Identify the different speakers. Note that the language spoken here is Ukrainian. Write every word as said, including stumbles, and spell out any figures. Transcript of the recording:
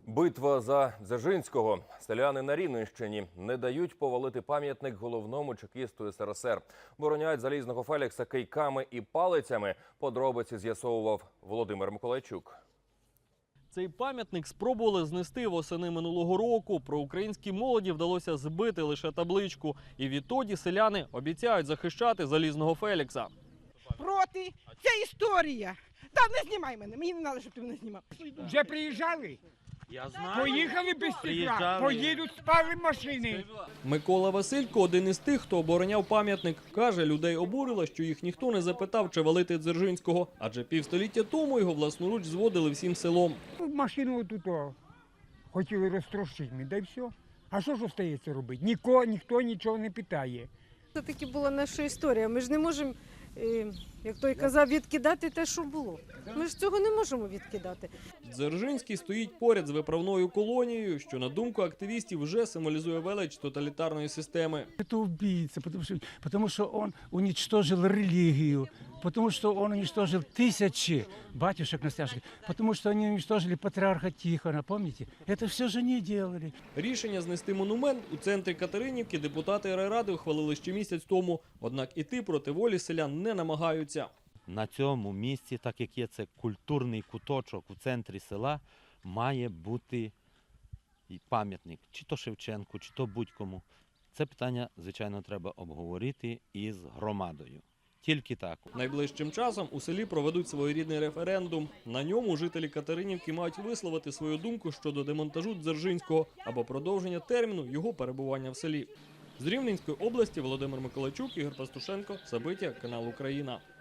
Speaker 1: Битва за Дзержинського. Селяни на Рівненщині не дають повалити пам'ятник головному чекісту ес ер ес ер. Бороняють залізного Фелікса кийками і палицями. Подробиці з'ясовував Володимир Миколайчук.
Speaker 2: Цей пам'ятник спробували знести восени минулого року. Проукраїнській молоді вдалося збити лише табличку. І відтоді селяни обіцяють захищати залізного Фелікса.
Speaker 3: Проти. Це історія. Та не знімай мене, мені не треба, щоб ти мене знімав.
Speaker 4: Вже приїжджали?
Speaker 2: Я знаю.
Speaker 4: Поїхали без стекла, поїдуть, спали машини.
Speaker 2: Микола Василько, один із тих, хто обороняв пам'ятник, каже, людей обурило, що їх ніхто не запитав, чи валити Дзержинського, адже півстоліття тому його власноруч зводили всім селом.
Speaker 4: Машину тут о, хотіли розтрощити, да й все. А що ж остається робити? Ніко, ніхто нічого не питає.
Speaker 5: Це таки була наша історія. Ми ж не можемо, як той казав, відкидати те, що було. Ми ж цього не можемо відкидати.
Speaker 2: Дзержинський стоїть поряд з виправною колонією, що, на думку активістів, вже символізує велич тоталітарної системи.
Speaker 6: Это убийца, потому что, потому что он уничтожил религию, потому что он уничтожил тысячи батюшек настоящих, потому что они уничтожили патриарха Тихона, помните? Это все же не делали.
Speaker 2: Рішення знести монумент у центрі Катеринівки депутати райради ухвалили ще місяць тому. Однак іти проти волі селян не намагаються.
Speaker 7: На цьому місці, так як є це культурний куточок у центрі села, має бути і пам'ятник, чи то Шевченку, чи то будь-кому. Це питання, звичайно, треба обговорити із громадою. Тільки так.
Speaker 2: Найближчим часом у селі проведуть своєрідний референдум. На ньому жителі Катеринівки мають висловити свою думку щодо демонтажу Дзержинського або продовження терміну його перебування в селі. З Рівненської області Володимир Миколайчук, Ігор Пастушенко, Сабиття, канал Україна.